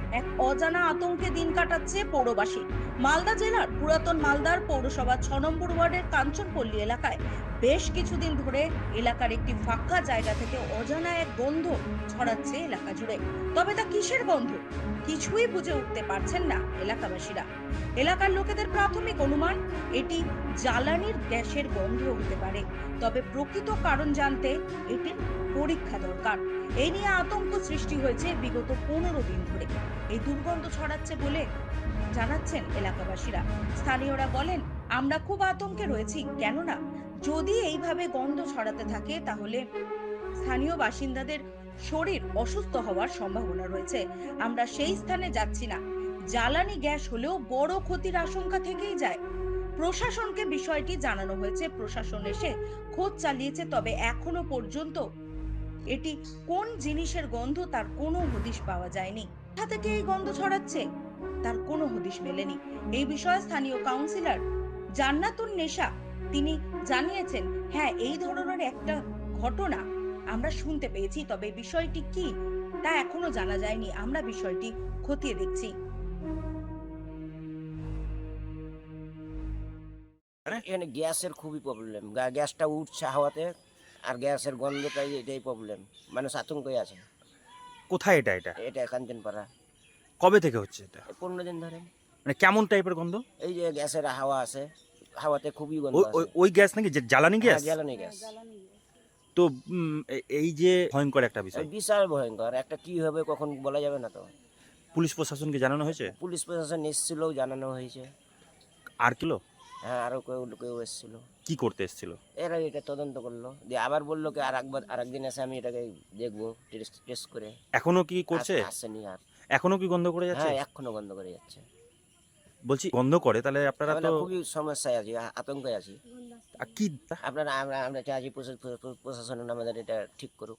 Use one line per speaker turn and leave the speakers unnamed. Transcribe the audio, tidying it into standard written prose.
এক অজানা আতঙ্কে দিন কাটাচ্ছে পৌরবাসী। মালদা জেলার পুরাতন মালদার পৌরসভা 6 নম্বর ওয়ার্ডের কাঞ্চনপল্লী এলাকায় বেশ কিছুদিন ধরে এলাকার একটি ফাঁকা জায়গা থেকে অজানা এক গন্ধ ছড়াচ্ছে এলাকা জুড়ে। তবে তা কিসের গন্ধ কিছুই বুঝে উঠতে পারছেন না এলাকাবাসীরা। এলাকার লোকেদের প্রাথমিক অনুমান এটি জ্বালানির গ্যাসের গন্ধ হতে পারে। তবে প্রকৃত কারণ জানতে এটির পরীক্ষা দরকার। এই নিয়ে আতঙ্ক সৃষ্টি হয়েছে বিগত 15 দিন ধরে। এই দুর্গন্ধ ছড়াচ্ছে বলে জানাচ্ছেন এলাকাবাসীরা। স্থানীয়রা বলেন, আমরা খুব আতঙ্কে রয়েছি, কেননা যদি এইভাবে গন্ধ ছড়াতে থাকে তাহলে স্থানীয় বাসিন্দাদের শরীর অসুস্থ হওয়ার সম্ভাবনা রয়েছে। আমরা সেই স্থানে যাচ্ছি না। জ্বালানি গ্যাস হলেও বড় ক্ষতির আশঙ্কা থেকেই যায়। প্রশাসনকে বিষয়টি জানানো হয়েছে, প্রশাসন এসে খোঁজ চালিয়েছে, তবে এখনো পর্যন্ত এটি কোন জিনিসের গন্ধ তার কোনো হদিশ পাওয়া যায়নি। কোথা থেকে এই গন্ধ ছড়াচ্ছে তার কোনো হদিশ মেলেনি। এই বিষয়ে স্থানীয় কাউন্সিলর জান্নাতুন নেশা তিনি জানিয়েছেন, হ্যাঁ, এই ধরনের একটা ঘটনা আমরা শুনতে পেয়েছি, তবে বিষয়টি কি তা এখনো জানা যায়নি। আমরা বিষয়টি খতিয়ে দেখছি।
এখানে গ্যাসের খুবই প্রবলেম, গ্যাসটা উঠছে হাওয়াতে, আর গ্যাসের গন্ধটাই এটাই প্রবলেম। মানুষ আতঙ্কে আছে।
কোথায় এটা?
এটা কাঞ্চনপাড়া।
কবে থেকে হচ্ছে এটা?
15 দিন ধরে।
মানে কেমন টাইপের গন্ধ?
এই যে গ্যাসের হাওয়া আছে, হাওয়াতে খুবই গন্ধ
ওই
আছে।
ওই ওই গ্যাস নাকি যে জ্বালানি
হ্যাঁ,
গ্যাস?
জ্বালানি গ্যাস।
তো এই যে ভয়ঙ্কর একটা বিষয়,
বিশাল ভয়ঙ্কর একটা, কি হবে কখন বলা যাবে না তো।
পুলিশ প্রশাসনকে জানানো হয়েছে?
পুলিশ প্রশাসন এসেছিল, জানানো হয়েছে।
আর কিলো
হ্যাঁ, আরো কেউ কেউ এসেছিল।
কি করতে এসেছিল?
এরা এটা তদন্ত করলো, দিয়ে আবার বললো কি আর একদিন এসে আমি এটাকে দেখবো, টেস্ট করে।
এখনো কি করছে?
আসেনি আর।
এখনো কি গন্ধ করে যাচ্ছে?
হ্যাঁ, এখনো বন্ধ করে যাচ্ছে।
বলছি গন্ধ করে, তাহলে আপনারা
আমরা
তো
খুবই সমস্যায় আছি, আতঙ্কে আছি।
কি
আমরা চাইছি প্রশাসন আমাদের এটা ঠিক করুক।